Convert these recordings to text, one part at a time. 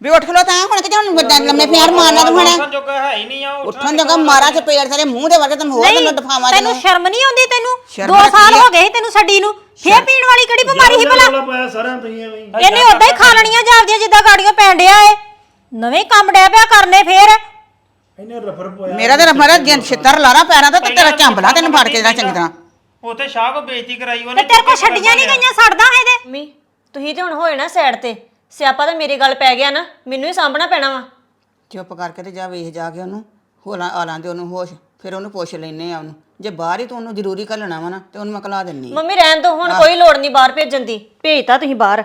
ਵੀ ਉੱਠ ਖਲੋ ਤਾਂ ਹੁਣ ਕਿ ਹੁਣ ਲੰਮੇ ਪਿਆਰ ਮਾਰਨਾ ਤੂੰ ਹੁਣ ਉੱਠਣ ਜੋਗਾ ਹੈ ਹੀ ਨਹੀਂ ਆ ਉੱਠਣ ਜੋਗਾ ਮਾਰਾ ਚ ਪੇੜ ਤੇਰੇ ਮੂੰਹ ਦੇ ਵਰਗੇ ਤੈਨੂੰ ਹੋਰ ਤੈਨੂੰ ਦਫਾਵਾਂ ਤੈਨੂੰ ਸ਼ਰਮ ਨਹੀਂ ਆਉਂਦੀ ਤੈਨੂੰ ਸ਼ਰਮ 2 ਸਾਲ ਰੱਖੀ ਆ। ਹੋ ਗਏ ਸੀ ਤੈਨੂੰ ਛੱਡੀ ਨੂੰ ਫੇਰ ਪੀਣ ਵਾਲੀ ਕਿਹੜੀ ਬਿਮਾਰੀ ਸੀ ਭਲਾ ਪਾਇਆ ਸਾਰਿਆਂ ਤੁਸੀਂ ਐਵੇਂ ਹੀ। ਇਹਨੇ ਉਦਾਂ ਹੀ ਖਾ ਲੈਣੀਆਂ ਜਾਪਦੀਆਂ ਜਿੱਦਾਂ ਗਾੜੀਆਂ ਪੈਣ ਡਿਆ ਏ ਨਵੇਂ ਕੰਮ ਡਿਆ ਪਿਆ ਕਰਨੇ ਫੇਰ ਇਹਨੇ ਰਫਰ ਪਾਇਆ ਮੇਰਾ ਤੇ ਰਫਰ ਜਿੰਦ ਛਿੱਤਰ ਲਾਣਾ ਪੈਰਾਂ ਦਾ ਤੇ ਤੇਰਾ ਝੰਬਲਾ ਤੈਨੂੰ ਫੜ ਕੇ ਜਿਹੜਾ ਚੰਗੀ ਤਰ੍ਹਾਂ ਉੱਥੇ ਸ਼ਾਹ ਕੋ ਬੇਇੱਜ਼ਤੀ ਕਰਾਈ ਤੇ ਉਹਨੇ ਤੇਰੇ ਕੋ ਛੱਡੀਆਂ ਨਹੀਂ ਗਈਆਂ ਸੜਦਾ ਇਹਦੇ ਮੰਮੀ ਤੁਸੀਂ ਤੇ ਹੁਣ ਹੋਏ ਨਾ ਸਾਈਡ ਤੇ ਸਿਆਪਾ ਤਾਂ ਮੇਰੇ ਗੱਲ ਪੈ ਗਿਆ ਨਾ ਮੈਨੂੰ ਹੀ ਸਾਂਭਣਾ ਪੈਣਾ ਵਾ ਚੁੱਪ ਕਰਕੇ ਤੇ ਜਾ ਵੇਖ ਜਾ ਕੇ ਉਹਨੂੰ ਹੋਲਾਂ ਆਲਾਂ ਦੇ ਉਹਨੂੰ ਹੋਸ਼ ਫਿਰ ਉਹਨੂੰ ਪੁੱਛ ਲੈਨੇ ਆ ਉਹਨੂੰ ਜੇ ਬਾਹਰ ਹੀ ਤੂੰ ਉਹਨੂੰ ਜ਼ਰੂਰੀ ਘੱਲਣਾ ਵਾ ਨਾ ਤੇ ਉਹਨੂੰ ਮੈਂ ਘਲਾ ਦਿੰਨੀ ਮੰਮੀ ਰਹਿਣ ਦੋ ਹੁਣ ਕੋਈ ਲੋੜ ਨਹੀਂ ਬਾਹਰ ਭੇਜਣ ਦੀ ਭੇਜਤਾ ਤੁਸੀਂ ਬਾਹਰ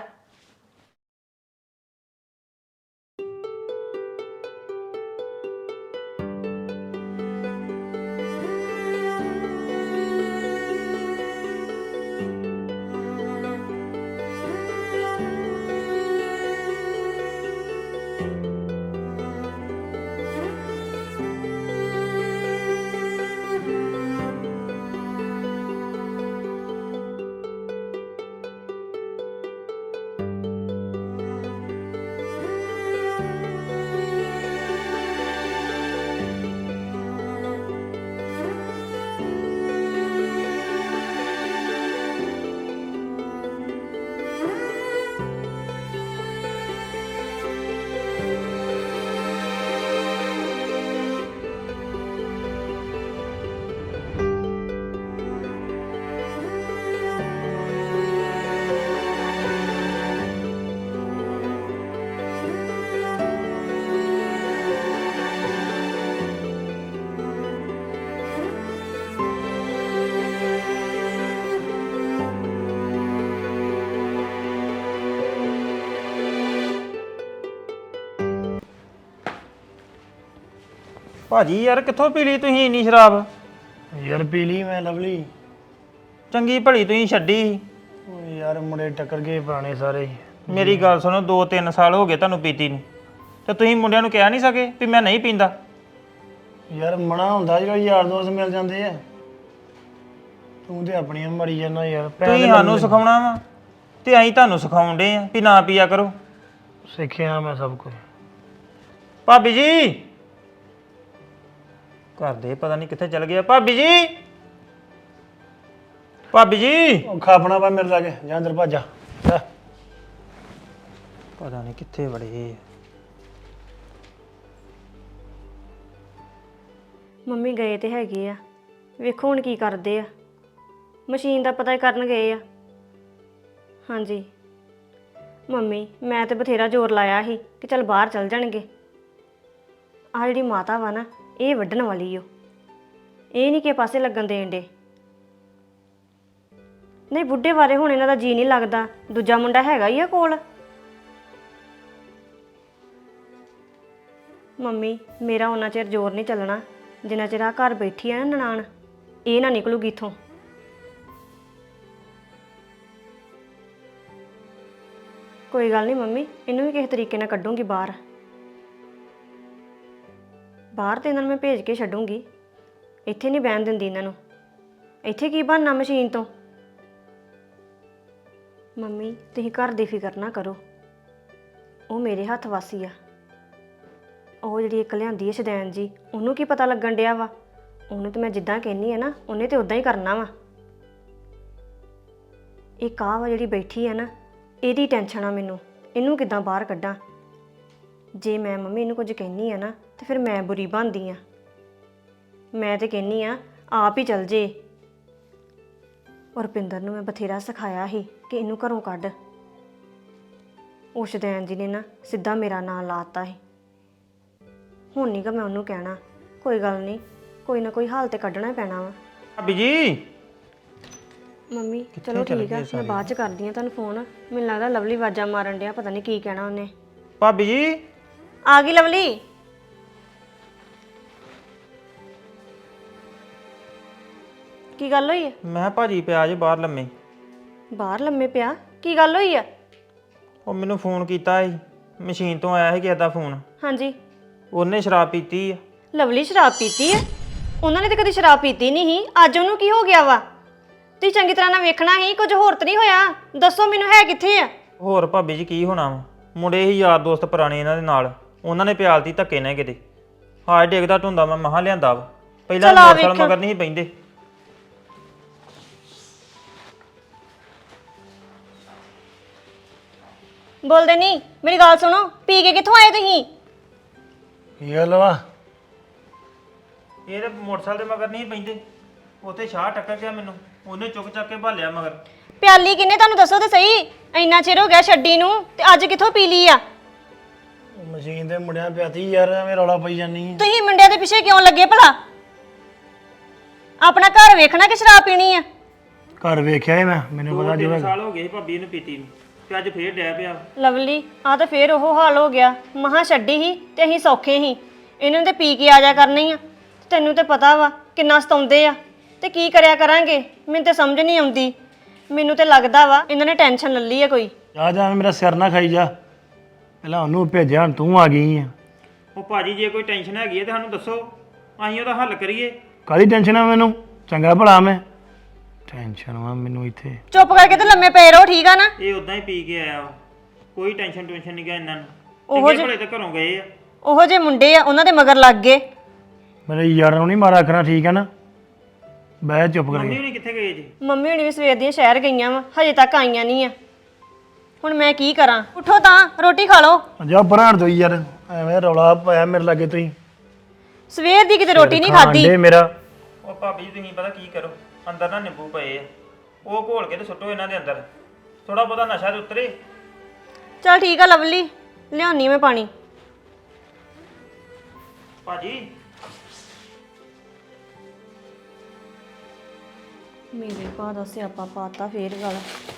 ਭਾਜੀ ਯਾਰ ਕਿੱਥੋਂ ਪੀ ਲਈ ਤੁਸੀਂ ਇੰਨੀ ਸ਼ਰਾਬ ਯਾਰ ਪੀ ਲਈ ਮੈਂ ਲਵਲੀ ਚੰਗੀ ਭਲੀ ਤੁਸੀਂ ਛੱਡੀ ਓਏ ਯਾਰ ਮੁੰਡੇ ਟੱਕਰ ਗਏ ਪੁਰਾਣੇ ਸਾਰੇ ਹੀ। ਮੇਰੀ ਗੱਲ ਸੁਣੋ 2-3 ਸਾਲ ਹੋ ਗਏ ਤੁਹਾਨੂੰ ਪੀਤੀ ਨੂੰ ਤੇ ਤੁਸੀਂ ਮੁੰਡਿਆਂ ਨੂੰ ਕਹਿ ਨਹੀਂ ਸਕੇ ਵੀ ਮੈਂ ਨਹੀਂ ਪੀਂਦਾ ਯਾਰ ਮਨਾ ਹੁੰਦਾ ਜਦੋਂ ਯਾਰ ਦੋਸਤ ਮਿਲ ਜਾਂਦੇ ਆ ਤੂੰ ਤੇ ਆਪਣੀਆਂ ਮਰੀ ਜਾਂਦਾ ਯਾਰ ਤੁਸੀਂ ਸਾਨੂੰ ਸਿਖਾਉਣਾ ਵਾ ਤੇ ਅਸੀਂ ਤੁਹਾਨੂੰ ਸਿਖਾਉਣ ਡੇ ਆ ਵੀ ਨਾ ਪੀਆ ਕਰੋ ਸਿੱਖਿਆ ਮੈਂ ਸਭ ਕੁਝ ਭਾਬੀ ਜੀ ਘਰ ਦੇ ਪਤਾ ਨਹੀਂ ਕਿੱਥੇ ਚਲ ਗਿਆ ਭਾਬੀ ਜੀ ਭਾਬੀ ਜੀ ਉਹ ਖਾਪਣਾ ਪਾ ਮੇਰੇ ਲਾਗੇ ਜਾਂ ਅੰਦਰ ਭੱਜ ਜਾ ਜਾ। ਪਤਾ ਨਹੀਂ ਕਿੱਥੇ ਵੜੇ ਮੰਮੀ ਗਏ ਤੇ ਹੈਗੇ ਆ ਵੇਖੋ ਹੁਣ ਕੀ ਕਰਦੇ ਆ ਮਸ਼ੀਨ ਦਾ ਪਤਾ ਕਰਨ ਗਏ ਆ ਹਾਂਜੀ ਮੰਮੀ ਮੈਂ ਤੇ ਬਥੇਰਾ ਜ਼ੋਰ ਲਾਇਆ ਸੀ ਕਿ ਚੱਲ ਬਾਹਰ ਚੱਲ ਜਾਣਗੇ ਆ ਜਿਹੜੀ ਮਾਤਾ ਵਾ ਨਾ ਇਹ ਵੱਢਣ ਵਾਲੀ ਓ ਇਹ ਨਹੀਂ ਕਿ ਪਾਸੇ ਲੱਗਣ ਦੇਣ ਦੇ ਨਹੀਂ ਬੁੱਢੇ ਬਾਰੇ ਹੁਣ ਇਹਨਾਂ ਦਾ ਜੀ ਨਹੀਂ ਲੱਗਦਾ ਦੂਜਾ ਮੁੰਡਾ ਹੈਗਾ ਹੀ ਆ ਕੋਲ ਮੰਮੀ ਮੇਰਾ ਉਹਨਾਂ ਚਿਰ ਜ਼ੋਰ ਨਹੀਂ ਚੱਲਣਾ ਜਿੰਨਾ ਚਿਰ ਆ ਘਰ ਬੈਠੀ ਆ ਨਾ ਨਨਾਣ ਇਹ ਨਾ ਨਿਕਲੂਗੀ ਇੱਥੋਂ ਕੋਈ ਗੱਲ ਨਹੀਂ ਮੰਮੀ ਇਹਨੂੰ ਵੀ ਕਿਸੇ ਤਰੀਕੇ ਨਾਲ ਕੱਢੂੰਗੀ ਬਾਹਰ ਬਾਹਰ ਤੇ ਇਹਨਾਂ ਨੂੰ ਮੈਂ ਭੇਜ ਕੇ ਛੱਡੂੰਗੀ ਇੱਥੇ ਨਹੀਂ ਬਹਿਣ ਦਿੰਦੀ ਇਹਨਾਂ ਨੂੰ ਇੱਥੇ ਕੀ ਬਣਨਾ ਮਸ਼ੀਨ ਤੋਂ ਮੰਮੀ ਤੁਸੀਂ ਘਰ ਦੀ ਫਿਕਰ ਨਾ ਕਰੋ ਉਹ ਮੇਰੇ ਹੱਥ ਵਾਸੀ ਆ ਉਹ ਜਿਹੜੀ ਇੱਕ ਲਿਆਂਦੀ ਹੈ ਸ਼ਦੈਨ ਜੀ ਉਹਨੂੰ ਕੀ ਪਤਾ ਲੱਗਣ ਡਿਆ ਵਾ ਉਹਨੂੰ ਤੇ ਮੈਂ ਜਿੱਦਾਂ ਕਹਿੰਨੀ ਆ ਨਾ ਉਹਨੇ ਤੇ ਉਦਾਂ ਹੀ ਕਰਨਾ ਵਾ ਇਹ ਕਾਹ ਵਾ ਜਿਹੜੀ ਬੈਠੀ ਆ ਨਾ ਇਹਦੀ ਟੈਨਸ਼ਨ ਆ ਮੈਨੂੰ ਇਹਨੂੰ ਕਿੱਦਾਂ ਬਾਹਰ ਕੱਢਾਂ ਜੇ ਮੈਂ ਮੰਮੀ ਇਹਨੂੰ ਕੁਝ ਕਹਿੰਨੀ ਆ ਨਾ ਤੇ ਫਿਰ ਮੈਂ ਬੁਰੀ ਬਣਦੀ ਆ ਮੈਂ ਤੇ ਕਹਿੰਨੀ ਆ ਆਪ ਹੀ ਚੱਲ ਜੇ ਰੁਪਿੰਦਰ ਨੂੰ ਮੈਂ ਬਥੇਰਾ ਸਿਖਾਇਆ ਸੀ ਕਿ ਇਹਨੂੰ ਘਰੋਂ ਕੱਢ ਉਹ ਸ਼ਦੈਨ ਜੀ ਨੇ ਨਾ ਸਿੱਧਾ ਮੇਰਾ ਨਾਂ ਲਾਤਾ ਸੀ ਹੁਣ ਨਹੀਂ ਕਿ ਮੈਂ ਉਹਨੂੰ ਕਹਿਣਾ ਕੋਈ ਗੱਲ ਨਹੀਂ ਕੋਈ ਨਾ ਕੋਈ ਹਾਲ ਤੇ ਕੱਢਣਾ ਪੈਣਾ ਵਾ ਭਾਬੀ ਜੀ ਮੰਮੀ ਚਲੋ ਠੀਕ ਆ ਮੈਂ ਬਾਅਦ ਚ ਕਰਦੀ ਆ ਤੁਹਾਨੂੰ ਫੋਨ ਮੈਨੂੰ ਲੱਗਦਾ ਲਵਲੀ ਆਵਾਜ਼ਾਂ ਮਾਰਨ ਡਿਆ ਪਤਾ ਨਹੀਂ ਕੀ ਕਹਿਣਾ ਉਹਨੇ ਭਾਬੀ ਜੀ ਆ ਗਈ ਲਵਲੀ ਕੀ ਗੱਲ ਹੋਈ ਹੈ ਮੈਂ ਭਾਜੀ ਪਿਆ ਜੇ ਬਾਹਰ ਲੰਮੇ ਬਾਹਰ ਲੰਮੇ ਪਿਆ ਕੀ ਗੱਲ ਹੋਈ ਆ ਉਹ ਮੈਨੂੰ ਫੋਨ ਕੀਤਾ ਸੀ ਮਸ਼ੀਨ ਤੋਂ ਆਇਆ ਸੀ ਕਿਸੇ ਦਾ ਫੋਨ ਹਾਂਜੀ ਉਹਨੇ ਸ਼ਰਾਬ ਪੀਤੀ ਆ ਲਵਲੀ ਸ਼ਰਾਬ ਪੀਤੀ ਹੈ ਉਹਨਾਂ ਨੇ ਤਾਂ ਕਦੀ ਸ਼ਰਾਬ ਪੀਤੀ ਨਹੀਂ ਸੀ ਅੱਜ ਉਹਨੂੰ ਕੀ ਹੋ ਗਿਆ ਵਾ ਤੁਸੀਂ ਚੰਗੀ ਤਰ੍ਹਾਂ ਨਾਲ ਵੇਖਣਾ ਸੀ ਕੁਝ ਹੋਰ ਤਾਂ ਨਹੀਂ ਹੋਇਆ ਦੱਸੋ ਮੈਨੂੰ ਹੈ ਕਿੱਥੇ ਆ ਹੋਰ ਭਾਬੀ ਜੀ ਕੀ ਹੋਣਾ ਵਾ ਮੁੰਡੇ ਹੀ ਯਾਰ ਦੋਸਤ ਪੁਰਾਣੇ ਇਹਨਾਂ ਦੇ ਨਾਲ, ਉਹਨਾਂ ਨੇ ਪਿਆਲਤੀ ਧੱਕੇ ਨੇ ਕਿਤੇ। ਹਾਏ ਡਿੱਗਦਾ ਢੁੰਦਾ ਮੈਂ ਮਹਾਂ ਲਿਆਂਦਾ ਵਾ, ਪਹਿਲਾਂ ਚੱਲ ਆ ਮੋਟਰਸਾਈਕਲ ਵੇਖਿਓ। ਮਗਰ ਨਹੀਂ ਸੀ ਪੈਂਦੇ। ਬੋਲਦੇ ਨਹੀਂ, ਮੇਰੀ ਗੱਲ ਸੁਣੋ, ਪੀ ਕੇ ਕਿੱਥੋਂ ਆਏ ਤੁਸੀਂ? ਕੀ ਗੱਲ ਵਾ? ਇਹ ਤੇ ਮੋਟਰਸਾਈਕਲ ਦੇ ਮਗਰ ਨਹੀਂ ਸੀ ਪੈਂਦੇ, ਉੱਥੇ ਸ਼ਾਹ ਟੱਕਰ ਗਿਆ ਮੈਨੂੰ, ਉਹਨੇ ਚੁੱਕ ਚੱਕ ਕੇ ਭਾਲਿਆ ਮਗਰ। ਪਿਆਲੀ ਕਿੰਨੇ ਤੁਹਾਨੂੰ ਦੱਸੋ ਤੇ ਸਹੀ, ਇੰਨਾ ਚਿਰ ਹੋ ਗਿਆ ਛੱਡੀ ਨੂੰ ਤੇ ਅੱਜ ਕਿੱਥੋਂ ਪੀ ਲਈ ਆ? ਮਸ਼ੀਨ ਦੇ ਮੁੰਡਿਆਂ ਪਿਆਤੀ ਯਾਰ, ਐਵੇਂ ਰੌਲਾ ਪਈ ਜਾਨੀ ਆ। ਤੁਸੀਂ ਮੁੰਡਿਆਂ ਦੇ ਪਿੱਛੇ ਕਿਉਂ ਲੱਗੇ ਭਲਾ? ਆਪਣਾ ਘਰ ਵੇਖਣਾ ਕਿ ਸ਼ਰਾਬ ਪੀਣੀ ਆ? ਘਰ ਵੇਖਿਆ ਏ ਮੈਂ, ਮੈਨੂੰ ਪਤਾ ਜੋ 2-3 ਹੈਗਾ। ਸਾਲ ਹੋ ਗਏ ਸੀ ਭਾਬੀ ਨੂੰ ਪੀਤੀ ਨੂੰ, ਤੇ ਅੱਜ ਫੇਰ ਡੈ ਪਿਆ। ਲਵਲੀ ਆ ਤਾਂ ਫੇਰ ਉਹ ਹਾਲ ਹੋ ਗਿਆ, ਮਹਾ ਛੱਡੀ ਸੀ ਤੇ ਅਸੀਂ ਸੌਖੇ ਸੀ, ਇਹਨਾਂ ਨੇ ਤੇ ਪੀ ਕੇ ਆ ਜਾ ਕਰਨੀ ਆ। ਤੈਨੂੰ ਤੇ ਪਤਾ ਵਾ ਕਿੰਨਾ ਸਤਾਉਂਦੇ ਆ, ਤੇ ਕੀ ਕਰਿਆ ਕਰਾਂਗੇ? ਮੈਨੂੰ ਤੇ ਸਮਝ ਨਹੀਂ ਆਉਂਦੀ। ਮੈਨੂੰ ਤੇ ਲੱਗਦਾ ਵਾ ਇਹਨਾਂ ਨੇ ਟੈਨਸ਼ਨ ਲੈ ਲਈ ਆ ਕੋਈ। ਜਾ ਜਾ ਮੇਰਾ ਸਿਰ ਨਾ ਖਾਈ ਜਾ, ਪਹਿਲਾਂ ਉਹਨੂੰ ਭੇਜਿਆ, ਹੁਣ ਤੂੰ ਆ ਗਈ ਆ। ਉਹ ਭਾਜੀ ਜੇ ਕੋਈ ਟੈਨਸ਼ਨ ਹੈਗੀ ਹੈ ਤੇ ਸਾਨੂੰ ਦੱਸੋ, ਅਸੀਂ ਉਹਦਾ ਹੱਲ ਕਰੀਏ। ਕਾਹਦੀ ਟੈਨਸ਼ਨ ਆ ਮੈਨੂੰ? ਚੰਗਾ ਭਲਾ ਮੈਂ ਟੈਨਸ਼ਨ ਵਾ ਮੈਨੂੰ ਇੱਥੇ। ਚੁੱਪ ਕਰਕੇ ਤੇ ਲੰਮੇ ਪਏ ਰਹੋ, ਠੀਕ ਆ ਨਾ? ਇਹ ਉਦਾਂ ਹੀ ਪੀ ਕੇ ਆਇਆ ਵਾ, ਕੋਈ ਟੈਨਸ਼ਨ ਨਹੀਂ ਗਿਆ ਇਹਨਾਂ ਨੂੰ। ਉਹੋ ਚੰਗੇ ਭਲੇ ਤਾਂ ਘਰੋਂ ਗਏ ਆ। ਉਹੋ ਜੇ ਮੁੰਡੇ ਆ, ਉਹਨਾਂ ਦੇ ਮਗਰ ਲੱਗ ਗਏ। ਮੇਰੇ ਯਾਰਾਂ ਨੂੰ ਨਹੀਂ ਮਾਰਾ ਆਖਣਾ, ਠੀਕ ਆ ਨਾ? ਬਹਿ ਚੁੱਪ ਮੰਮੀ ਕਰਕੇ। ਹੁਣੀ ਕਿੱਥੇ ਗਏ ਜੀ? ਮੰਮੀ ਹੁਣੀ ਵੀ ਸਵੇਰ ਦੀਆਂ ਸ਼ਹਿਰ ਗਈਆਂ ਵਾ, ਹਜੇ ਤੱਕ ਆਈਆਂ ਨਹੀਂ ਆ। ਹੁਣ ਮੈਂ ਕੀ ਕਰਾਂ? ਉੱਠੋ ਤਾਂ ਰੋਟੀ ਖਾ ਲਓ। ਜਾ ਬਰਾਣ ਦੋ ਯਾਰ, ਐਵੇਂ ਰੌਲਾ ਪਾਇਆ ਮੇਰੇ ਲਾਗੇ ਤੁਸੀਂ। ਸਵੇਰ ਦੀ ਕਿਤੇ ਰੋਟੀ ਨਹੀਂ ਖਾਧੀ। ਖਾਂਦੇ ਮੇਰਾ। ਉਹ ਭਾਬੀ ਜੀ ਤੁਸੀਂ ਪਤਾ ਕੀ ਕਰੋ, ਅੰਦਰ ਨਾ ਨਿੰਬੂ ਪਏ ਆ, ਉਹ ਘੋਲ ਕੇ ਤੇ ਸੁੱਟੋ ਇਹਨਾਂ ਦੇ ਅੰਦਰ, ਥੋੜਾ ਬਹੁਤਾ ਨਸ਼ਾ ਤੇ ਉਤਰੇ। ਚਲ ਠੀਕ ਆ ਲਵਲੀ, ਲਿਆਉਣੀ ਮੈਂ ਪਾਣੀ। ਭਾਜੀ ਮੇਰੇ ਭਾ ਦਾ ਸਿਆਪਾ ਪਾਤਾ ਫੇਰ ਗੱਲ।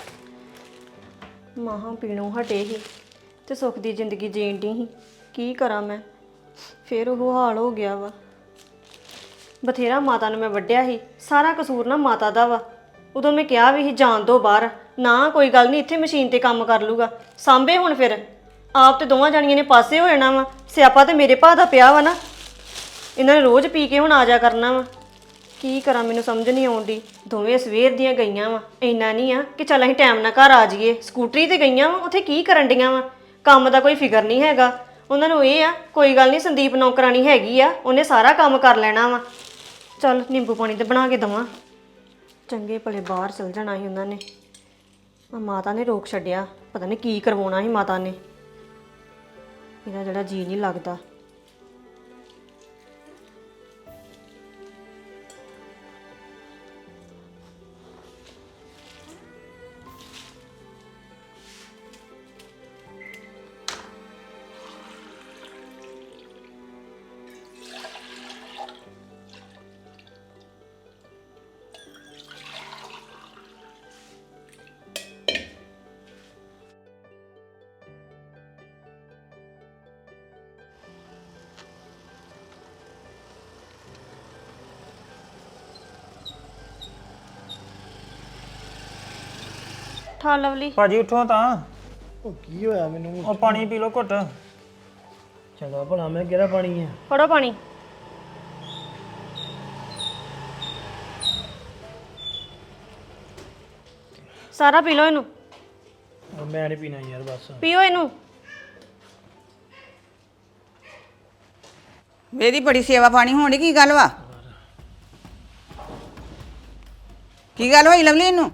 ਮਾਹਾਂ ਪੀਣੋਂ ਹਟੇ ਹੀ ਤੇ ਸੁੱਖ ਦੀ ਜ਼ਿੰਦਗੀ ਜੀਣ ਦੀ ਸੀ। ਕੀ ਕਰਾਂ ਮੈਂ? ਫੇਰ ਉਹ ਹਾਲ ਹੋ ਗਿਆ ਵਾ। ਬਥੇਰਾ ਮਾਤਾ ਨੂੰ ਮੈਂ ਵੱਢਿਆ ਸੀ, ਸਾਰਾ ਕਸੂਰ ਨਾ ਮਾਤਾ ਦਾ ਵਾ। ਉਦੋਂ ਮੈਂ ਕਿਹਾ ਵੀ ਸੀ ਜਾਣ ਦੋ ਬਾਹਰ, ਨਾ ਕੋਈ ਗੱਲ ਨਹੀਂ, ਇੱਥੇ ਮਸ਼ੀਨ ਤੇ ਕੰਮ ਕਰ ਲੂਗਾ। ਸਾਂਭੇ ਹੁਣ ਫਿਰ ਆਪ ਤੇ ਦੋਵਾਂ ਜਾਣੀਆਂ ਨੇ ਪਾਸੇ ਹੋ ਜਾਣਾ ਵਾ। ਸਿਆਪਾ ਤੇ ਮੇਰੇ ਭਾ ਦਾ ਪਿਆ ਵਾ ਨਾ, ਇਹਨਾਂ ਨੇ ਰੋਜ਼ ਪੀ ਕੇ ਹੁਣ ਆ ਜਾ ਕਰਨਾ ਵਾ। ਕੀ ਕਰਾਂ ਮੈਨੂੰ ਸਮਝ ਨਹੀਂ ਆਉਂਦੀ। ਦੋਵੇਂ ਸਵੇਰ ਦੀਆਂ ਗਈਆਂ ਵਾ, ਇੰਨਾ ਨਹੀਂ ਆ ਕਿ ਚੱਲ ਅਸੀਂ ਟਾਈਮ ਨਾਲ ਘਰ ਆ ਜਾਈਏ। ਸਕੂਟਰੀ ਤੇ ਗਈਆਂ ਵਾ, ਉੱਥੇ ਕੀ ਕਰਨ ਡੀਆਂ ਵਾ? ਕੰਮ ਦਾ ਕੋਈ ਫਿਕਰ ਨਹੀਂ ਹੈਗਾ ਉਹਨਾਂ ਨੂੰ। ਇਹ ਆ ਕੋਈ ਗੱਲ ਨਹੀਂ, ਸੰਦੀਪ ਨੌਕਰਾਣੀ ਹੈਗੀ ਆ, ਉਹਨੇ ਸਾਰਾ ਕੰਮ ਕਰ ਲੈਣਾ ਵਾ। ਚੱਲ ਨਿੰਬੂ ਪਾਣੀ ਤੇ ਬਣਾ ਕੇ ਦਵਾਂ। ਚੰਗੇ ਭਲੇ ਬਾਹਰ ਚਲ ਜਾਣਾ ਸੀ ਉਹਨਾਂ ਨੇ, ਮਾਤਾ ਨੇ ਰੋਕ ਛੱਡਿਆ। ਪਤਾ ਨਹੀਂ ਕੀ ਕਰਵਾਉਣਾ ਸੀ ਮਾਤਾ ਨੇ। ਇਹਦਾ ਜਿਹੜਾ ਜੀ ਨਹੀਂ ਲੱਗਦਾ। ਠਾ ਲਵਲੀ। ਭਾਜੀ ਉੱਠੋ ਤਾਂ, ਉਹ ਕੀ ਹੋਇਆ ਮੈਨੂੰ? ਉਹ ਪਾਣੀ ਪੀ ਲਓ ਘੁੱਟ। ਚੰਗਾ ਭਲਾ ਮੈਂ ਕਿਹੜਾ ਪਾਣੀ ਆ? ਫੜੋ ਪਾਣੀ। ਸਾਰਾ ਪੀ ਲਓ ਇਹਨੂੰ, ਮੈਂ ਨਹੀਂ ਪੀਣਾ ਯਾਰ, ਬਸ। ਪੀਓ ਇਹਨੂੰ। ਇਹਦੀ ਬੜੀ ਸੇਵਾ ਪਾਣੀ ਹੋਣੀ, ਕੀ ਗੱਲ ਵਾ? ਕੀ ਗੱਲ ਹੋਈ ਲਵਲੀ ਇਹਨੂੰ?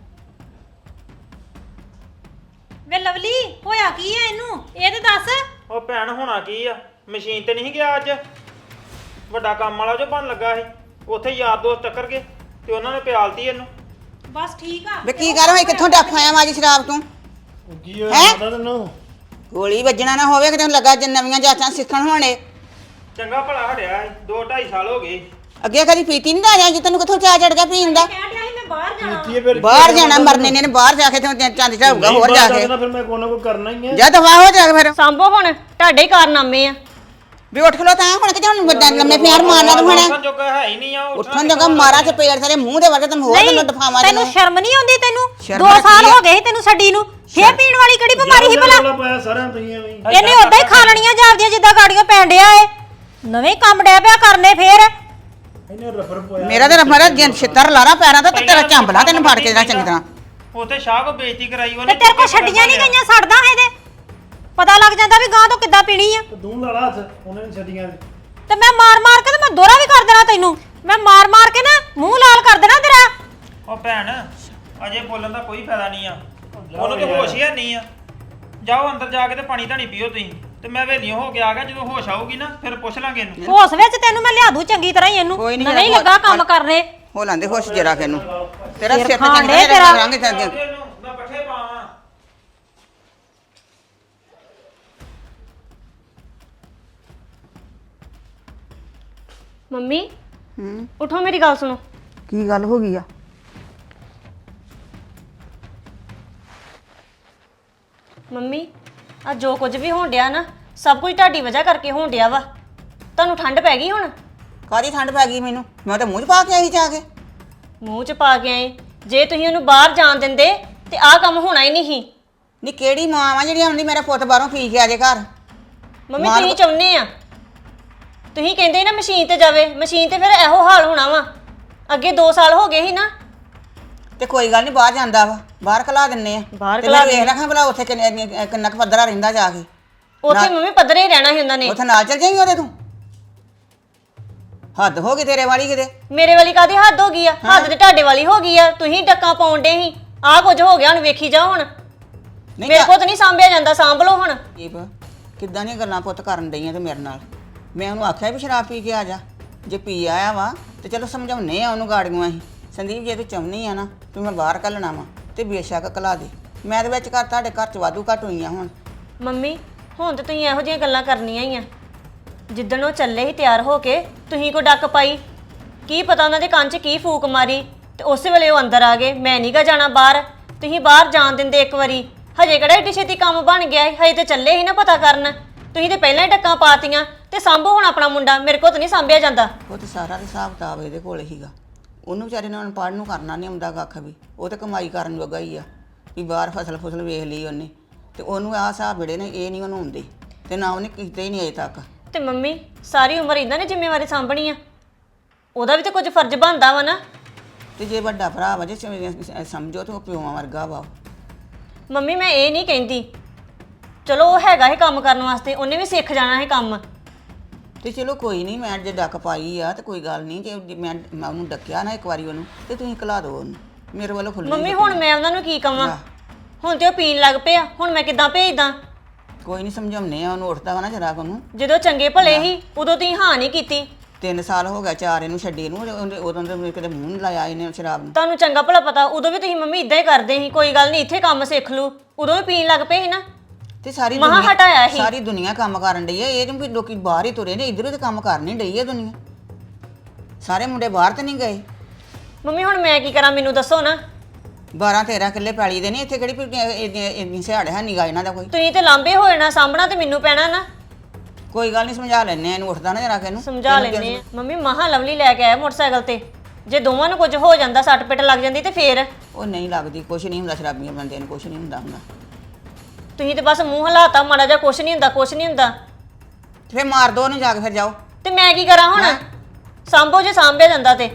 ਵੇ ਲਵਲੀ, ਹੋਇਆ ਕੀ ਐ ਇਹਨੂੰ? ਇਹ ਤੇ ਦੱਸ। ਉਹ ਭੈਣ ਹੋਣਾ ਕੀ ਆ, ਮਸ਼ੀਨ ਤੇ ਨਹੀਂ ਗਿਆ ਅੱਜ, ਵੱਡਾ ਕੰਮ ਵਾਲਾ ਜੋ ਬਣ ਲੱਗਾ ਸੀ, ਉੱਥੇ ਯਾਰ ਦੋਸਤ ਟੱਕਰ ਗਏ ਤੇ ਉਹਨਾਂ ਨੇ ਪਿਆਲਤੀ ਇਹਨੂੰ। ਬਸ ਠੀਕ ਆ। ਵੇ ਕੀ ਗੱਲ ਹੋਈ? ਕਿੱਥੋਂ ਡੱਫ ਆਇਆ ਵਾ ਅੱਜ ਸ਼ਰਾਬ ਤੋਂ? ਉਹ ਕੀ ਹੋਇਆ ਪਤਾ ਤੈਨੂੰ? ਗੋਲੀ ਵੱਜਣਾ ਨਾ ਹੋਵੇ, ਕਿਤੇ ਲੱਗਾ ਜੇ ਨਵੀਆਂ ਜਾਚਾਂ ਸਿੱਖਣ ਹੋਣੇ। ਚੰਗਾ ਭਲਾ ਹਟਿਆ 2-2.5 ਸਾਲ ਹੋ ਗਏ। ਅੱਗੇ ਕਦੀ ਪੀਤੀ ਨਹੀਂ ਦਾ ਜਾਂ ਤੈਨੂੰ ਕਿੱਥੋਂ ਚਾਹ ਚੜ ਗਿਆ ਪੀਣ ਦਾ? ਕਹਿਣ ਡਿਆ ਸੀ ਮੈਂ ਬਾਹਰ ਜਾਣਾ। ਪੀਤੀ ਹੈ ਫਿਰ? ਬਾਹਰ ਜਾਣਾ ਮਰਨੇ ਨੇ ਬਾਹਰ ਜਾ ਕੇ ਤੇ ਚੰਦ ਝਾਊਗਾ ਹੋਰ ਜਾ ਕੇ। ਫਿਰ ਮੈਂ ਕੋਈ ਨਾ ਕੋਈ ਕਰਨਾ ਹੀ ਹੈ। ਜਾ ਦਫਾ ਹੋ ਜਾ ਕੇ ਫਿਰ। ਸਾਂਭੋ ਹੁਣ, ਤੁਹਾਡੇ ਹੀ ਕਾਰਨਾਮੇ ਆ। ਵੀ ਉੱਠ ਖਲੋ ਤਾਂ ਹੁਣ ਕਿ ਹੁਣ ਲੰਮੇ ਪਿਆਰ ਮਾਰਨਾ ਤੂੰ ਹੁਣ। ਉੱਠਣ ਜੋਗਾ ਹੈ ਹੀ ਨਹੀਂ ਆ। ਉੱਠਣ ਜੋਗਾ ਮਾਰਾ ਚ ਪੇੜ ਸਾਰੇ ਮੂੰਹ ਦੇ ਵਰਗੇ ਤੈਨੂੰ ਹੋਰ ਤੈਨੂੰ ਦਫਾਵਾਂ ਦੇ। ਤੈਨੂੰ ਸ਼ਰਮ ਨਹੀਂ ਆਉਂਦੀ? ਤੈਨੂੰ ਸ਼ਰਮ 2 ਸਾਲ ਕੀ ਆ? ਹੋ ਗਏ ਸੀ ਤੈਨੂੰ ਛੱਡੀ ਨੂੰ। ਫੇਰ ਪੀਣ ਵਾਲੀ ਕਿਹੜੀ ਬਿਮਾਰੀ ਸੀ ਭਲਾ? ਰੌਲਾ ਪਾਇਆ ਸਾਰਿਆਂ ਤੁਸੀਂ ਐਵੇਂ ਹੀ। ਇਹਨੇ ਉਦਾਂ ਹੀ ਖਾ ਲੈਣੀਆਂ ਜਾਂਦੀਆਂ ਜਿੱਦਾਂ ਗਾੜੀਆਂ ਪੈਣ ਡਿਆ ਏ। ਨਵੇਂ ਕੰਮ ਡਿਆ ਪਿਆ ਕਰਨੇ ਫੇਰ। ਇਹਨੇ ਰਫਰ ਪਾਇਆ। ਮੇਰਾ ਤੇ ਰਫਰ ਜਿੰਨ ਛਿੱਤਰ ਲਾਣਾ ਪੈਰਾਂ ਦਾ ਤੇ ਤੇਰਾ ਝੰਬਲਾ ਤੈਨੂੰ ਫੜ ਕੇ ਜਿਹੜਾ ਚੰਗੀ ਤਰ੍ਹਾਂ। ਉੱਥੇ ਸ਼ਾਹ ਕੋ ਬੇਇੱਜ਼ਤੀ ਕਰਾਈ ਉਹਨੇ। ਤੇ ਤੇਰੇ ਕੋ ਛੱਡੀਆਂ ਨਹੀਂ ਗਈਆਂ, ਛੱਡਦਾ ਇਹਦੇ। ਪਤਾ ਲੱਗ ਜਾਂਦਾ ਵੀ ਗਾਂ ਤੋਂ ਕਿੱਦਾਂ ਪੀਣੀ ਆ। ਤੇ ਤੂੰ ਲਾ ਲਾ ਹੱਥ ਉਹਨੇ ਨੀ ਛੱਡੀਆਂ ਤੇ ਮੈਂ ਮਾਰ ਕੇ ਤੇ ਮੈਂ ਦੋਹਰਾ ਵੀ ਕਰ ਦੇਣਾ ਤੈਨੂੰ। ਮੈਂ ਮਾਰ ਕੇ ਨਾ ਮੂੰਹ ਲਾਲ ਕਰ ਦੇਣਾ ਤੇਰਾ। ਉਹ ਭੈਣ ਅਜੇ ਬੋਲਣ ਦਾ ਕੋਈ ਫਾਇਦਾ ਨਹੀਂ ਆ, ਉਹਨੂੰ ਤੇ ਹੋਸ਼ ਹੀ ਹੈ ਨਹੀਂ ਆ। ਜਾਓ ਅੰਦਰ ਜਾ ਕੇ ਤੇ ਪਾਣੀ ਧਾਣੀ ਪੀਓ ਤੁਸੀਂ, ਤੇ ਮੈਂ ਵੇਲੀਓ ਹੋ ਕੇ ਆ ਗਿਆ। ਜਦੋਂ ਹੋਸ਼ ਆਊਗੀ ਨਾ ਫਿਰ ਪੁੱਛ ਲਾਂਗੇ ਇਹਨੂੰ। ਹੋਸ਼ ਵਿੱਚ ਤੈਨੂੰ ਮੈਂ ਲਿਆ ਦੂੰ ਚੰਗੀ ਤਰ੍ਹਾਂ ਹੀ ਇਹਨੂੰ। ਕੋਈ ਨੀ, ਨਹੀਂ ਜਿਹੜਾ ਲੱਗਾ ਕੰਮ ਕਰਨੇ। ਹੋ ਲਾਂਦੇ ਹੋਸ਼ ਜਰਾ ਕੇ ਨੂੰ ਤੇਰਾ ਸਿਰ ਤੇ ਖਾਣ ਚੰਗਾ ਡੇ ਤੇਰਾ। ਕਰਾਂਗੇ ਤੇ ਇਹਨੂੰ ਮੈਂ ਪੱਠੇ ਪਾਵਾਂ। ਮੰਮੀ ਉਠੋ, ਮੇਰੀ ਗੱਲ ਸੁਣੋ। ਕੀ ਗੱਲ ਹੋ ਗਈ ਆ? ਮੰਮੀ ਆ ਜੋ ਕੁਝ ਵੀ ਹੋਣ ਡਿਆ ਨਾ, ਸਭ ਕੁਝ ਤੁਹਾਡੀ ਵਜ੍ਹਾ ਕਰਕੇ ਹੋਣ ਡਿਆ ਵਾ। ਤੁਹਾਨੂੰ ਠੰਡ ਪੈ ਗਈ ਹੁਣ? ਕਾਹਦੀ ਠੰਡ ਪੈ ਗਈ ਮੈਨੂੰ? ਮੈਂ ਤਾਂ ਮੂੰਹ 'ਚ ਪਾ ਕੇ ਆਈ ਜਾ ਕੇ। ਮੂੰਹ 'ਚ ਪਾ ਕੇ ਆਏ? ਜੇ ਤੁਸੀਂ ਉਹਨੂੰ ਬਾਹਰ ਜਾਣ ਦਿੰਦੇ ਤੇ ਆਹ ਕੰਮ ਹੋਣਾ ਹੀ ਨਹੀਂ ਸੀ। ਨੀ ਕਿਹੜੀ ਮਾਂ ਵਾ ਜਿਹੜੀ ਆਉਂਦੀ ਮੇਰਾ ਪੁੱਤ ਬਾਹਰੋਂ ਪੀ ਕੇ ਆ ਜੇ ਘਰ? ਮੰਮੀ ਤੁਸੀਂ ਚਾਹੁੰਦੇ ਆ, ਤੁਸੀਂ ਕਹਿੰਦੇ ਨਾ ਮਸ਼ੀਨ ਤੇ ਜਾਵੇ, ਮਸ਼ੀਨ ਤੇ ਫਿਰ ਇਹੋ ਹਾਲ ਹੋਣਾ ਵਾ। ਅੱਗੇ 2 ਸਾਲ ਹੋ ਗਏ ਸੀ ਨਾ। ਤੇ ਕੋਈ ਗੱਲ ਨਹੀਂ, ਬਾਹਰ ਜਾਂਦਾ ਵਾ, ਬਾਹਰ ਖਲਾ ਦਿੰਨੇ ਆ। ਬਾਹਰ ਤੇ ਖਲਾ ਮੈਂ ਵੇਖ ਰੱਖਾਂ ਭਲਾ ਉੱਥੇ ਕਿੰਨਾ ਕੁ ਪੱਧਰਾ ਰਹਿੰਦਾ ਜਾ ਕੇ। ਉੱਥੇ ਮੰਮੀ ਪੱਧਰੇ ਹੀ ਰਹਿਣਾ ਸੀ ਉਹਨਾਂ ਨੇ। ਉੱਥੇ ਨਾਲ ਚੱਲ ਜਾਈਂ ਉਹਦੇ ਤੂੰ। ਹੱਦ ਹੋ ਗਈ ਤੇਰੇ ਵਾਲੀ ਕਿਤੇ। ਮੇਰੇ ਵਾਲੀ ਕਾਦੀ ਹੱਦ ਹੋ ਗਈ ਆ? ਹੱਦ ਤੇ ਤੁਹਾਡੇ ਵਾਲੀ ਹੋ ਗਈ ਆ। ਤੁਸੀਂ ਡੱਕਾਂ ਪਾਉਣ ਡੇ ਸੀ, ਆਹ ਕੁਝ ਹੋ ਗਿਆ। ਹੁਣ ਵੇਖੀ ਜਾਓ। ਹੁਣ ਨਹੀਂ ਮੇਰੇ ਕੋਲ ਤਾਂ ਨਹੀਂ ਸਾਂਭਿਆ ਜਾਂਦਾ, ਸਾਂਭ ਲਓ ਹੁਣ। ਦੀਪ ਕਿੱਦਾਂ ਦੀਆਂ ਗੱਲਾਂ ਪੁੱਤ ਕਰਨ ਡਈਆਂ ਤੇ ਮੇਰੇ ਨਾਲ। ਮੈਂ ਉਹਨੂੰ ਆਖਿਆ ਵੀ ਸ਼ਰਾਬ ਪੀ ਕੇ ਆ ਜਾ। ਜੇ ਪੀ ਆਇਆ ਵਾ ਤੇ ਚਲੋ ਸਮਝਾਉਨੇ ਆ ਉਹਨੂੰ ਗਾੜੀਆਂ ਅਸੀਂ। ਸੰਦੀਪ ਜੇ ਤੂੰ ਚਾਹੁੰਦੀ ਆ ਨਾ ਤੂੰ ਮੈਂ ਬਾਹਰ ਘੱਲਣਾ ਵਾ ਤੇ ਬੇਸ਼ੱਕ ਘਲਾ ਦੇ। ਮੈਂ ਦੇ ਵਿੱਚ ਘਰ ਤੁਹਾਡੇ ਘਰ 'ਚ ਵਾਧੂ ਘੱਟ ਹੋਈਆਂ ਹੁਣ। ਮੰਮੀ ਹੁਣ ਤੇ ਤੁਸੀਂ ਇਹੋ ਜਿਹੀਆਂ ਗੱਲਾਂ ਕਰਨੀਆਂ ਹੀ ਆ। ਜਿੱਦਣ ਉਹ ਚੱਲੇ ਸੀ ਤਿਆਰ ਹੋ ਕੇ, ਤੁਸੀਂ ਕੋ ਡੱਕ ਪਾਈ? ਕੀ ਪਤਾ ਉਹਨਾਂ ਦੇ ਕੰਨ 'ਚ ਕੀ ਫੂਕ ਮਾਰੀ ਤੇ ਉਸੇ ਵੇਲੇ ਉਹ ਅੰਦਰ ਆ ਗਏ। ਮੈਂ ਨਹੀਂ ਗਾ ਜਾਣਾ ਬਾਹਰ। ਤੁਸੀਂ ਬਾਹਰ ਜਾਣ ਦਿੰਦੇ ਇੱਕ ਵਾਰੀ? ਹਜੇ ਕਿਹੜਾ ਏਡੀ ਛੇਤੀ ਕੰਮ ਬਣ ਗਿਆ ਹੈ? ਹਜੇ ਤੇ ਚੱਲੇ ਸੀ ਨਾ ਪਤਾ ਕਰਨ। ਤੁਸੀਂ ਤੇ ਪਹਿਲਾਂ ਹੀ ਡੱਕਾਂ ਪਾਤੀਆਂ। ਤੇ ਸਾਂਭੋ ਹੁਣ ਆਪਣਾ ਮੁੰਡਾ, ਮੇਰੇ ਕੋਲ ਤਾਂ ਨਹੀਂ ਸਾਂਭਿਆ ਜਾਂਦਾ। ਉਹ ਤੇ ਸਾਰਾ ਹਿਸਾਬ ਕਿਤਾਬ ਇਹਦੇ ਕੋਲ ਹੀਗਾ। ਉਹਨੂੰ ਵਿਚਾਰੇ ਨੂੰ ਅਨਪੜ੍ਹ ਨੂੰ ਕਰਨਾ ਨਹੀਂ ਆਉਂਦਾ ਕੱਖ ਵੀ। ਉਹ ਤੇ ਕਮਾਈ ਕਰਨ ਜੋਗਾ ਹੀ ਆ ਵੀ ਬਾਹਰ ਫਸਲ ਵੇਖ ਲਈ ਉਹਨੇ। ਤੇ ਉਹਨੂੰ ਆਹ ਹਿਸਾਬ ਜਿਹੜੇ ਨੇ ਇਹ ਨਹੀਂ ਉਹਨੂੰ ਆਉਂਦੇ ਤੇ ਨਾ ਉਹਨੇ ਕੀਤੇ ਹੀ ਨਹੀਂ ਅਜੇ ਤੱਕ। ਤੇ ਮੰਮੀ ਸਾਰੀ ਉਮਰ ਇਹਨਾਂ ਨੇ ਜ਼ਿੰਮੇਵਾਰੀ ਸਾਂਭਣੀ ਆ। ਉਹਦਾ ਵੀ ਤਾਂ ਕੁਝ ਫਰਜ਼ ਬਣਦਾ ਵਾ ਨਾ। ਤੇ ਜੇ ਵੱਡਾ ਭਰਾ ਵਾ ਜੇ ਸਮਝੋ ਤੇ ਉਹ ਪਿਓਾਂ ਵਰਗਾ ਵਾ। ਮੰਮੀ ਮੈਂ ਇਹ ਨਹੀਂ ਕਹਿੰਦੀ, ਚਲੋ ਉਹ ਹੈਗਾ ਹੀ ਕੰਮ ਕਰਨ ਵਾਸਤੇ, ਉਹਨੇ ਵੀ ਸਿੱਖ ਜਾਣਾ ਹੈ ਕੰਮ। ਤੇ ਚਲੋ ਕੋਈ ਨਹੀਂ, ਮੈਂ ਜੇ ਡੱਕ ਪਾਈ ਆ ਤੇ ਕੋਈ ਗੱਲ ਨਹੀਂ। ਜੇ ਮੈਂ ਉਹਨੂੰ ਡੱਕਿਆ ਨਾ ਇੱਕ ਵਾਰੀ ਉਹਨੂੰ ਤੇ ਤੁਸੀਂ ਘਲਾ ਦਿਓ ਉਹਨੂੰ ਮੇਰੇ ਵੱਲੋਂ ਖੁੱਲ੍ਹ। ਮੰਮੀ ਹੁਣ ਮੈਂ ਉਹਨਾਂ ਨੂੰ ਕੀ ਕਵਾਂ? ਹੁਣ ਤੇ ਉਹ ਪੀਣ ਲੱਗ ਪਿਆ, ਹੁਣ ਮੈਂ ਕਿੱਦਾਂ ਭੇਜਦਾ? ਕੋਈ ਨਹੀਂ ਸਮਝਾਉਨੇ ਆ ਉਹਨੂੰ। ਉੱਠਦਾ ਵਾ ਨਾ ਜਰਾ ਉਹਨੂੰ। ਜਦੋਂ ਚੰਗੇ ਭਲੇ ਸੀ ਉਦੋਂ ਤੁਸੀਂ ਹਾਂ ਨਹੀਂ ਕੀਤੀ। 3 ਸਾਲ ਹੋ ਗਿਆ 4 ਇਹਨੂੰ ਛੱਡੀ ਨੂੰ। ਉਦੋਂ ਤੇ ਕਿਤੇ ਮੂੰਹ ਨਹੀਂ ਲਾਇਆ ਇਹਨੇ ਸ਼ਰਾਬ ਨੂੰ। ਤੁਹਾਨੂੰ ਚੰਗਾ ਭਲਾ ਪਤਾ, ਉਦੋਂ ਵੀ ਤੁਸੀਂ ਮੰਮੀ ਇਦਾਂ ਹੀ ਕਰਦੇ ਸੀ। ਕੋਈ ਗੱਲ ਨਹੀਂ, ਇੱਥੇ ਕੰਮ ਸਿੱਖ ਲੂ। ਉਦੋਂ ਵੀ ਪੀਣ ਲੱਗ ਪਏ ਸੀ ਨਾ। ਤੇ ਸਾਰੀ ਮਹਾਂ ਹਟਾਇਆ ਸੀ। ਸਾਰੀ ਦੁਨੀਆ ਕੰਮ ਕਰਨ ਡਈ ਹੈ। ਇਹ ਜਿਵੇਂ ਲੋਕੀ ਬਾਹਰ ਹੀ ਤੁਰੇ ਨੇ, ਇੱਧਰੋਂ ਤੇ ਕੰਮ ਕਰ ਨਹੀਂ ਡਈ ਹੈ ਦੁਨੀਆ। ਸਾਰੇ ਮੁੰਡੇ ਬਾਹਰ ਤੇ ਨਹੀਂ ਗਏ। ਮੰਮੀ ਹੁਣ ਮੈਂ ਕੀ ਕਰਾਂ, ਮੈਨੂੰ ਦੱਸੋ ਨਾ। 12-13 ਕਿੱਲੇ ਪੈਲੀ ਦੇ ਨੇ ਇੱਥੇ। ਕਿਹੜੀ ਇੰਨੀ ਸਿਹਾੜ ਹੈ ਨੀਗਾ ਇਹਨਾਂ ਦਾ ਕੋਈ। ਤੁਸੀਂ ਤੇ ਲਾਂਬੇ ਹੋ ਜਾਣਾ, ਸਾਂਭਣਾ ਤੇ ਮੈਨੂੰ ਪੈਣਾ ਨਾ। ਕੋਈ ਗੱਲ ਨਹੀਂ, ਸਮਝਾ ਲੈਣੇ ਆ ਇਹਨੂੰ। ਉੱਠਦਾ ਨਾ ਜਰਾ ਕੇ ਇਹਨੂੰ ਸਮਝਾ ਲੈਣੇ ਆ। ਮੰਮੀ ਮਹਾ ਲਵਲੀ ਲੈ ਕੇ ਆਇਆ ਮੋਟਰਸਾਈਕਲ ਤੇ। ਜੇ ਦੋਵਾਂ ਨੂੰ ਕੁਝ ਹੋ ਜਾਂਦਾ, ਸੱਟ ਪਿੱਟ ਲੱਗ ਜਾਂਦੀ ਤੇ ਫੇਰ? ਉਹ ਨਹੀਂ ਲੱਗਦੀ, ਕੁਛ ਨਹੀਂ ਹੁੰਦਾ। ਸ਼ਰਾਬੀਆਂ ਬੰਦੇ ਨੂੰ ਕੁਛ ਨਹੀਂ ਹੁੰਦਾ। ਤੁਸੀਂ ਤੇ ਬਸ ਮੂੰਹ ਹਲਾਤਾ ਮਾੜਾ ਜਿਹਾ, ਕੁਛ ਨਹੀਂ ਹੁੰਦਾ, ਕੁਛ ਨਹੀਂ ਹੁੰਦਾ। ਤੇ ਫਿਰ ਮਾਰ ਦੋ ਉਹਨੂੰ ਜਾ ਕੇ, ਫਿਰ ਜਾਓ। ਤੇ ਮੈਂ ਕੀ ਕਰਾਂ ਹੁਣ? ਸਾਂਭੋ ਜੇ ਸਾਂਭਿਆ ਜਾਂਦਾ ਤੇ।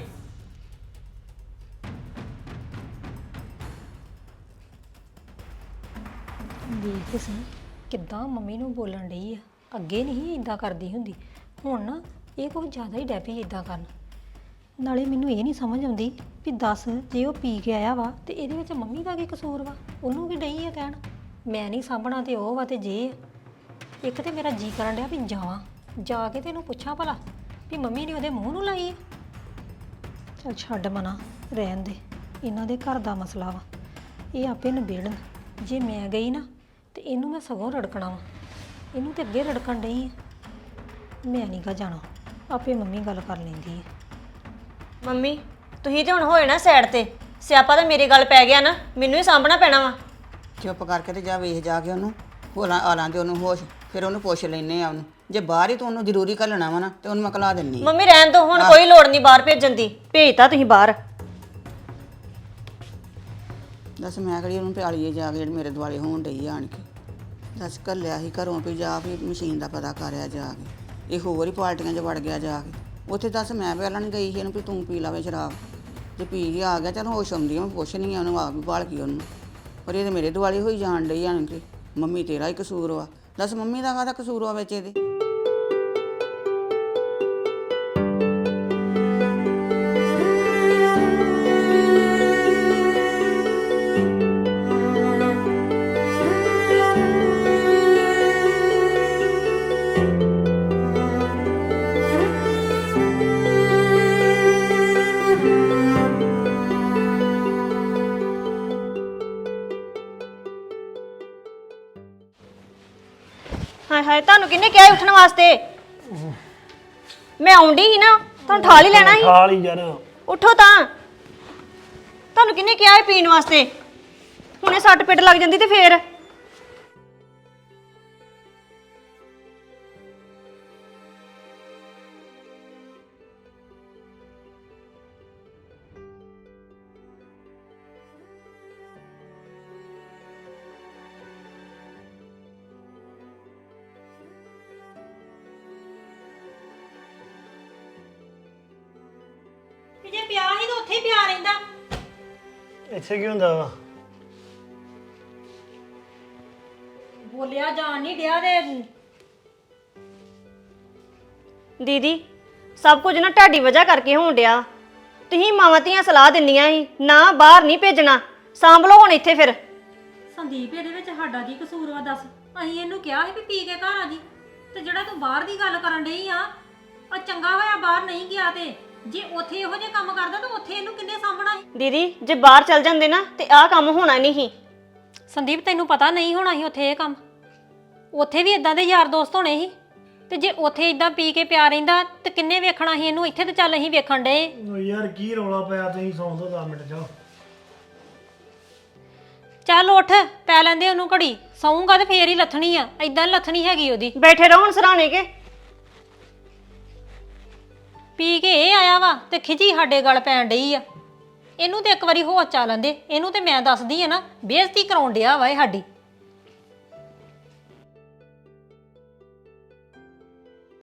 ਦੇਖ ਸੀ ਕਿੱਦਾਂ ਮੰਮੀ ਨੂੰ ਬੋਲਣ ਡਈ ਆ। ਅੱਗੇ ਨਹੀਂ ਇਦਾਂ ਕਰਦੀ ਹੁੰਦੀ, ਹੁਣ ਨਾ ਇਹ ਕੁਝ ਜ਼ਿਆਦਾ ਹੀ ਡੈਪੀ ਇਦਾਂ ਕਰਨ। ਨਾਲੇ ਮੈਨੂੰ ਇਹ ਨਹੀਂ ਸਮਝ ਆਉਂਦੀ ਵੀ ਦੱਸ, ਜੇ ਉਹ ਪੀ ਕੇ ਆਇਆ ਵਾ ਤੇ ਇਹਦੇ ਵਿੱਚ ਮੰਮੀ ਦਾ ਕੀ ਕਸੂਰ ਵਾ? ਉਹਨੂੰ ਕੀ ਡਈ ਆ ਕਹਿਣ ਮੈਂ ਨਹੀਂ ਸਾਂਭਣਾ ਤੇ ਉਹ ਵਾ ਤੇ ਜੇ। ਇੱਕ ਤੇ ਮੇਰਾ ਜੀ ਕਰਨ ਡਿਆ ਵੀ ਜਾਵਾਂ, ਜਾ ਕੇ ਤੇ ਇਹਨੂੰ ਪੁੱਛਾਂ ਭਲਾ ਵੀ ਮੰਮੀ ਨੇ ਉਹਦੇ ਮੂੰਹ ਨੂੰ ਲਾਈ ਆ। ਚੱਲ ਛੱਡ ਮਨਾ, ਰਹਿਣ ਦੇ। ਇਹਨਾਂ ਦੇ ਘਰ ਦਾ ਮਸਲਾ ਵਾ, ਇਹ ਆਪੇ ਨਿਬੇੜਨ। ਜੇ ਮੈਂ ਗਈ ਨਾ ਤੇ ਇਹਨੂੰ ਮੈਂ ਸਗੋਂ ਰੜਕਣਾ ਵਾ। ਇਹਨੂੰ ਤੇ ਅੱਗੇ ਰੜਕਣ ਡਈ ਆ। ਮੈਂ ਨਹੀਂ ਗਾ ਜਾਣਾ, ਆਪੇ ਮੰਮੀ ਗੱਲ ਕਰ ਲੈਂਦੀ ਹੈ। ਮੰਮੀ ਤੁਸੀਂ ਤੇ ਹੁਣ ਹੋਏ ਨਾ ਸਾਈਡ ਤੇ। ਸਿਆਪਾ ਤਾਂ ਮੇਰੇ ਗੱਲ ਪੈ ਗਿਆ ਨਾ, ਮੈਨੂੰ ਹੀ ਸਾਂਭਣਾ ਪੈਣਾ ਵਾ। ਚੁੱਪ ਕਰਕੇ ਤੇ ਜਾ ਵੇਖ ਜਾ ਕੇ ਉਹਨੂੰ। ਹੋਲਾਂ ਆਲਾਂ ਦੇ ਉਹਨੂੰ ਹੋਸ਼। ਫਿਰ ਉਹਨੂੰ ਪੁੱਛ ਲੈਨੇ ਆ ਉਹਨੂੰ। ਜੇ ਬਾਹਰ ਹੀ ਤੂੰ ਉਹਨੂੰ ਜ਼ਰੂਰੀ ਘੱਲਣਾ ਵਾ ਨਾ ਤੇ ਉਹਨੂੰ ਮੈਂ ਘਲਾ ਦਿੰਨੀ ਆ। ਮੰਮੀ ਰਹਿਣ ਦੋ ਹੁਣ, ਕੋਈ ਲੋੜ ਨਹੀਂ ਬਾਹਰ ਭੇਜਣ ਦੀ। ਭੇਜਤਾ ਤੁਸੀਂ ਬਾਹਰ। ਦੱਸ ਮੈਂ ਕਿਹੜੀ ਉਹਨੂੰ ਪਿਆਲੀਏ ਜਾ ਕੇ ਜਿਹੜੀ ਮੇਰੇ ਦੁਆਲੇ ਹੋਣ ਡਈ ਆਣ ਕੇ। ਦੱਸ ਘੱਲਿਆ ਸੀ ਘਰੋਂ ਵੀ ਜਾ ਵੀ ਮਸ਼ੀਨ ਦਾ ਪਤਾ ਕਰਿਆ ਜਾ ਕੇ। ਇਹ ਹੋਰ ਹੀ ਪਾਰਟੀਆਂ 'ਚ ਵੜ ਗਿਆ ਜਾ ਕੇ। ਉੱਥੇ ਦੱਸ ਮੈਂ ਪਹਿਲਾਂ ਨਹੀਂ ਗਈ ਸੀ ਇਹਨੂੰ ਵੀ ਤੂੰ ਪੀ ਲਾਵੇ ਸ਼ਰਾਬ। ਜੇ ਪੀ ਕੇ ਆ ਗਿਆ ਚਲ ਹੋਸ਼ ਆਉਂਦੀ ਆ, ਮੈਂ ਪੁੱਛਣੀ ਆ ਉਹਨੂੰ, ਆ ਵੀ ਭਾਲ ਕੇ ਉਹਨੂੰ। ਪਰ ਇਹ ਤਾਂ ਮੇਰੇ ਦੁਆਲੇ ਹੋਈ ਜਾਣ ਡਈ ਆਣ ਕੇ। ਮੰਮੀ ਤੇਰਾ ਹੀ ਕਸੂਰ ਵਾ। ਦੱਸ ਮੰਮੀ ਦਾ ਕਾਹਦਾ ਕਸੂਰ ਆ ਵਿੱਚ ਇਹਦੇ? ਹਾਏ ਹਾਏ, ਤੁਹਾਨੂੰ ਕਿਹਨੇ ਕਿਹਾ ਸੀ ਉੱਠਣ ਵਾਸਤੇ? ਮੈਂ ਆਉਂਦੀ ਸੀ ਨਾ, ਤੁਹਾਨੂੰ ਠਾਲ ਹੀ ਲੈਣਾ ਸੀ। ਠਾਲ ਹੀ ਯਾਰ। ਉੱਠੋ ਤਾਂ। ਤੁਹਾਨੂੰ ਕਿਹਨੇ ਕਿਹਾ ਸੀ ਪੀਣ ਵਾਸਤੇ? ਹੁਣੇ ਸੱਟ ਪਿੱਟ ਲੱਗ ਜਾਂਦੀ ਤੇ ਫੇਰ। ਜੇ ਪਿਆ ਹੀ ਤਾਂ ਉੱਥੇ ਹੀ ਪਿਆ ਰਹਿੰਦਾ। ਇੱਥੇ ਕੀ ਹੁੰਦਾ ਵਾ? ਬੋਲਿਆ ਜਾਣ ਨਹੀਂ ਡਿਆ ਤੇ ਦੀਦੀ, ਸਭ ਕੁਝ ਨਾ ਤੁਹਾਡੀ ਵਜ੍ਹਾ ਕਰਕੇ ਹੋਣ ਡਿਆ। ਤੁਸੀਂ ਮਾਵਾਂ ਧੀਆਂ ਸਲਾਹ ਦਿੰਦੀਆਂ ਸੀ ਨਾ ਬਾਹਰ ਨਹੀਂ ਭੇਜਣਾ, ਸਾਂਭ ਲਓ ਹੁਣ ਇੱਥੇ ਫਿਰ। ਸੰਦੀਪ ਇਹਦੇ ਵਿੱਚ ਸਾਡਾ ਕੀ ਕਸੂਰ ਵਾ ਦੱਸ? ਅਸੀਂ ਇਹਨੂੰ ਕਿਹਾ ਸੀ ਵੀ ਪੀ ਕੇ ਘਰ ਆ ਜੀ, ਤੇ ਜਿਹੜਾ ਤੂੰ ਬਾਹਰ ਦੀ ਗੱਲ ਕਰਨ ਡਈ ਆ, ਉਹ ਚੰਗਾ ਹੋਇਆ ਬਾਹਰ ਨਹੀਂ ਗਿਆ। ਤੇ ਜੇ ਉੱਥੇ ਇਹੋ ਜਿਹੇ ਕੰਮ ਕਰਦਾ ਤਾਂ ਉੱਥੇ ਇਹਨੂੰ ਕਿੰਨੇ ਸਾਂਭਣਾ ਸੀ? ਦੀਦੀ, ਜੇ ਬਾਹਰ ਚੱਲ ਜਾਂਦੇ ਨਾ ਤੇ ਆਹ ਕੰਮ ਹੋਣਾ ਨਹੀਂ ਸੀ। ਸੰਦੀਪ ਤੈਨੂੰ ਪਤਾ ਨਹੀਂ ਹੋਣਾ ਸੀ ਉੱਥੇ ਇਹ ਕੰਮ। ਉੱਥੇ ਵੀ ਇਦਾਂ ਦੇ ਯਾਰ ਦੋਸਤ ਹੋਣੇ ਸੀ, ਤੇ ਜੇ ਉੱਥੇ ਇਦਾਂ ਪੀ ਕੇ ਪਿਆ ਰਹਿੰਦਾ ਤੇ ਕਿੰਨੇ ਵੇਖਣਾ ਸੀ ਇਹਨੂੰ? ਇੱਥੇ ਤੇ ਚੱਲ ਅਸੀਂ ਵੇਖਣ ਡਏ। ਓ ਯਾਰ ਕੀ ਰੌਲਾ ਪਿਆ? ਤੁਸੀਂ ਸੌਂ ਦੋ 10 ਮਿੰਟ ਜਾਓ। ਚੱਲ ਉੱਠ, ਪੈ ਲੈਂਦੇ ਉਹਨੂੰ ਘੜੀ। ਸੌਂਗਾ ਤੇ ਫੇਰ ਹੀ ਲੱਥਣੀ ਆ, ਇਦਾਂ ਲੱਥਣੀ ਹੈਗੀ ਉਹਦੀ। ਬੈਠੇ ਰਹੋ ਹੁਣ ਸਰਾਣੇ ਕੇ। ਪੀ ਕੇ ਇਹ ਆਇਆ ਵਾ ਤੇ ਖਿਜੀ ਸਾਡੇ ਗਲ ਪੈਣ ਡਈ ਆ। ਇਹਨੂੰ ਤੇ ਇੱਕ ਵਾਰੀ ਹੋਸ਼ ਚਾ ਲੈਂਦੇ। ਇਹਨੂੰ ਤੇ ਮੈਂ ਦੱਸਦੀ ਆ ਨਾ, ਬੇਇੱਜ਼ਤੀ ਕਰਾਉਣ ਡਿਆ ਵਾ ਇਹ ਸਾਡੀ।